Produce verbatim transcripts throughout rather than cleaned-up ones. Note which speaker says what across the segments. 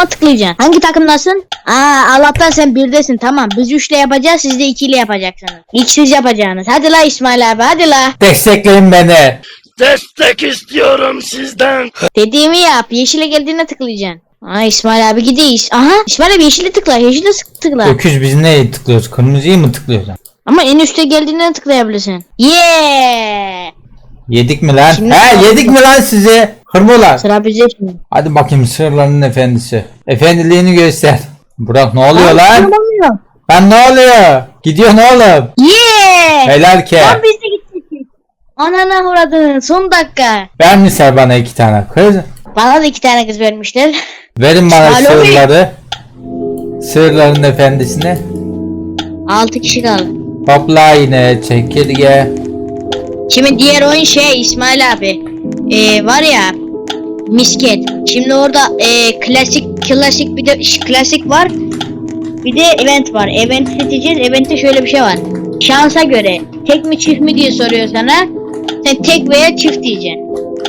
Speaker 1: takıma tıklayacaksın. Hangi takımdasın? Aa, Allah'tan sen birdesin, tamam. Biz üçle yapacağız, siz de ikiyle yapacaksınız. İlk siz yapacaksınız. Hadi la İsmail abi, hadi la.
Speaker 2: Destekleyin beni.
Speaker 3: Destek istiyorum sizden.
Speaker 1: Dediğimi yap. Yeşile geldiğine tıklayacaksın. Aa, İsmail abi gidiyor. Aha, İsmail abi yeşile tıkla. Yeşile tıkla.
Speaker 2: Öküz biz neye tıklıyoruz? Kırmızıyı mı tıklıyoruz?
Speaker 1: Ama en üstte geldiğine tıklayabilirsin. Yeah!
Speaker 2: Yedik mi lan?
Speaker 1: Şimdi
Speaker 2: He yedik mi lan sizi? Hırmolar.
Speaker 1: Sıra bize şimdi.
Speaker 2: Hadi bakayım sırlarının efendisi. Efendiliğini göster. Burak ne oluyor lan?
Speaker 1: Oluyor.
Speaker 2: Lan ne oluyor? Gidiyorsun oğlum.
Speaker 1: Yeah!
Speaker 2: Helal ke.
Speaker 1: Lan biz de gittik. Anana uğradın. Son dakika.
Speaker 2: Vermişler bana iki tane kız.
Speaker 1: Bana da iki tane kız vermişler.
Speaker 2: Verin bana
Speaker 1: Alo.
Speaker 2: sırları. Sırların efendisine.
Speaker 1: Altı kişi kaldı.
Speaker 2: Hopla yine çekirge.
Speaker 1: Şimdi diğer oyun şey İsmail abi. Ee, var ya misket. Şimdi orada ee, klasik klasik bir de ş- klasik var. Bir de event var. Event seçeceğiz. Event'te şöyle bir şey var. Şansa göre tek mi çift mi diye soruyor sana. Sen tek veya çift diyeceksin.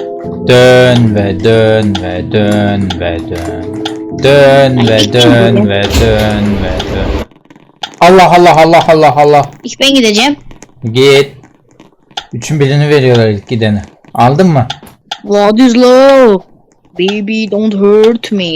Speaker 2: Dön ve dön ve dön ve dön. Dön
Speaker 1: Ay,
Speaker 2: ve
Speaker 1: kim
Speaker 2: dön
Speaker 1: bu
Speaker 2: ve dön ve dön. Allah Allah Allah Allah Allah.
Speaker 1: İlk ben gideceğim.
Speaker 2: Git. Üçün birini veriyorlar ilk gidene. Aldın mı?
Speaker 1: What is love? Baby don't hurt me.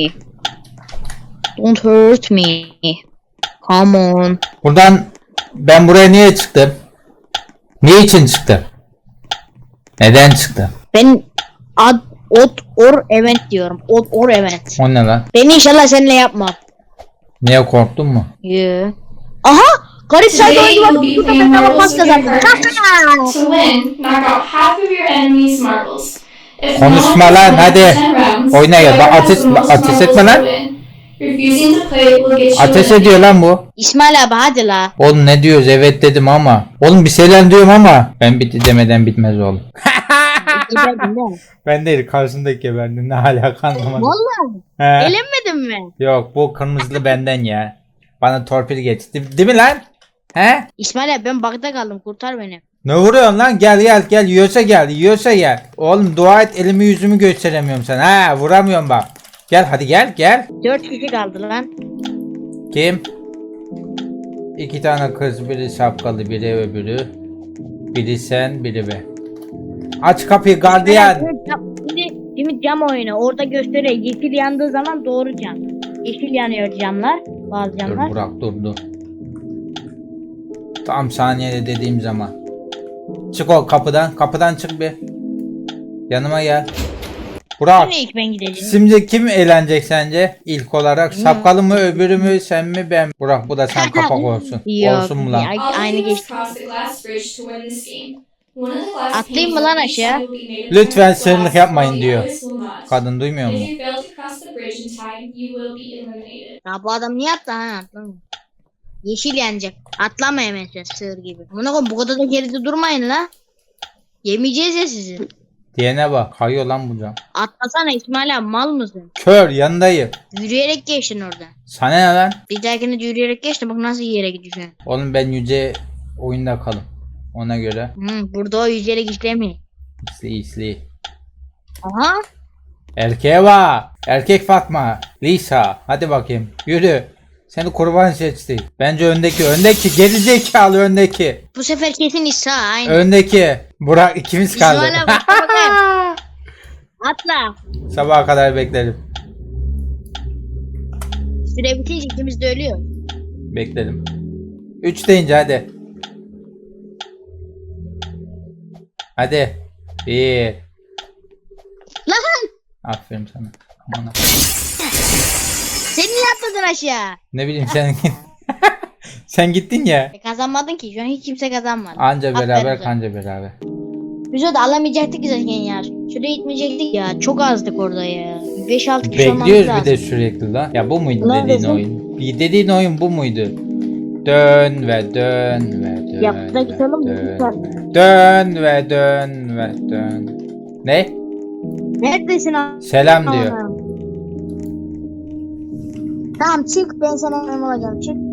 Speaker 1: Don't hurt me. Come on.
Speaker 2: Buradan ben buraya niye çıktım? Ne için çıktım? Neden çıktım?
Speaker 1: Ben ad ot or event diyorum. Ot or event.
Speaker 2: O ne lan?
Speaker 1: Ben inşallah seninle yapmam.
Speaker 2: Niye korktun mu?
Speaker 1: Yeah. Aha! Garip sayda
Speaker 4: Today
Speaker 1: oyuncu var.
Speaker 4: you'll be
Speaker 1: Burada
Speaker 4: playing
Speaker 1: ben
Speaker 4: marbles
Speaker 1: bakmakta
Speaker 4: with your
Speaker 1: zaten.
Speaker 4: partners. To win, knock out half of your enemy's marbles. If
Speaker 2: Konuşma
Speaker 4: not,
Speaker 2: lan,
Speaker 4: then
Speaker 2: hadi.
Speaker 4: ten rounds,
Speaker 2: Oyna ya,
Speaker 4: whoever
Speaker 2: bak
Speaker 4: has
Speaker 2: ateş-
Speaker 4: the most
Speaker 2: ateş etme
Speaker 4: marbles
Speaker 2: lan.
Speaker 4: will win. Refusing to play will get you
Speaker 2: Ateş
Speaker 4: eliminated.
Speaker 2: ediyor lan bu.
Speaker 1: İsmail abi hadi la.
Speaker 2: Oğlum ne diyoruz? Evet dedim ama. Oğlum bir şeyler diyorum ama. Ben bitti demeden bitmez oğlum.
Speaker 1: Geberdin değil mi?
Speaker 2: Ben değil karşındaki geberdim. Ne alaka anlamadım.
Speaker 1: Vallahi.
Speaker 2: He.
Speaker 1: Elenmedin mi?
Speaker 2: Yok bu kırmızılı benden ya. Bana torpil geçti. Değil mi lan? He?
Speaker 1: İsmail abi ben bakta kaldım, kurtar beni.
Speaker 2: Ne vuruyorsun lan? Gel gel gel. Yiyorsa gel. Yiyorsa gel. Oğlum dua et elimi yüzümü gösteremiyorum sana. Ha vuramıyorum bak. Gel hadi gel gel.
Speaker 1: Dört kişi kaldı lan.
Speaker 2: Kim? İki tane kız, biri şapkalı, biri öbürü. Biri sen, biri ben. Aç kapıyı gardiyan.
Speaker 1: Şimdi, şimdi cam oyunu orada gösteriyor. Yeşil yandığı zaman doğru cam. Yeşil yanıyor camlar. Bazı
Speaker 2: Dur
Speaker 1: camlar.
Speaker 2: Burak dur dur. Tam saniyede dediğim zaman. Çık o kapıdan. Kapıdan çık bir. Yanıma gel. Burak.
Speaker 1: Yine ilk ben gideceğim.
Speaker 2: Şimdi kim eğlenecek sence? İlk olarak şapkalı mı, öbürü mü, sen mi, ben mi? Burak bu da sen kapak olsun.
Speaker 1: Yok,
Speaker 2: Olsun mu lan?
Speaker 1: ya-
Speaker 4: All
Speaker 1: Aynı
Speaker 4: you do is
Speaker 1: geçti.
Speaker 4: cross the glass bridge to win this game. One of the glass
Speaker 1: Atlayayım mı
Speaker 4: panes
Speaker 1: lan
Speaker 4: on each
Speaker 1: aşağı?
Speaker 4: side will be made of
Speaker 2: Lütfen
Speaker 4: different
Speaker 2: sırlık
Speaker 4: glass,
Speaker 2: yapmayın
Speaker 4: while the
Speaker 2: diyor.
Speaker 4: others will not.
Speaker 2: Kadın duymuyor mu?
Speaker 4: If you fail to cross the bridge in time, you will be eliminated.
Speaker 1: Ya bu adam niye attı ha? Atlamıyor. Yeşil yanacak. Atlama hemen sen sığır gibi. Buna koyun, bu kadar da geride durmayın la. Yemeyeceğiz ya sizi.
Speaker 2: Diyene bak. Kayıyor lan bu cam.
Speaker 1: Atlasana İsmail abi, mal mısın?
Speaker 2: Kör yanındayım.
Speaker 1: Yürüyerek geçtin orada.
Speaker 2: Sana ne lan?
Speaker 1: Bir dahakine de yürüyerek geçtin, bak nasıl yere gidiyorsun.
Speaker 2: Oğlum ben yüce oyunda kalım. Ona göre.
Speaker 1: Hı, burada o yüzerek işlemiyor.
Speaker 2: İsli isli.
Speaker 1: Aha.
Speaker 2: Erkeğe bak. Erkek Fatma. Lisa. Hadi bakayım. Yürü. Seni kurban seçti. Bence öndeki. Öndeki. Gerizekalı öndeki.
Speaker 1: Bu sefer kesin İsa aynı.
Speaker 2: Öndeki. Burak ikimiz kaldı.
Speaker 1: İsmail abi bakar. Atla.
Speaker 2: Sabaha kadar beklerim.
Speaker 1: Süre bitince ikimiz de ölüyor.
Speaker 2: Beklerim. Üç deyince hadi. Hadi. Bir.
Speaker 1: Lan
Speaker 2: Aferin sana. Aman.
Speaker 1: sen niye atladın aşağı?
Speaker 2: Ne bileyim sen sen gittin ya.
Speaker 1: E, kazanmadın ki, şu an hiç kimse kazanmadı.
Speaker 2: Anca
Speaker 1: Aferin
Speaker 2: beraber
Speaker 1: sana.
Speaker 2: kanca beraber.
Speaker 1: Biz orada alamayacaktık ki zaten ya. Şuraya gitmeyecektik ya. Çok azdık orada ya. beş altı kişi olmamız
Speaker 2: Bekliyoruz
Speaker 1: lazım.
Speaker 2: bir de sürekli lan. Ya bu muydu
Speaker 1: Neredesin?
Speaker 2: dediğin oyun? Bir dediğin oyun bu muydu? Dön ve dön ve dön.
Speaker 1: Ya, burada
Speaker 2: ve
Speaker 1: gidelim mi?
Speaker 2: dön,
Speaker 1: Lütfen.
Speaker 2: ve dön ve dön ve dön. Ne?
Speaker 1: Neredesin abi?
Speaker 2: Selam diyor.
Speaker 1: Tamam çık, ben sana memnun olacağım, çık.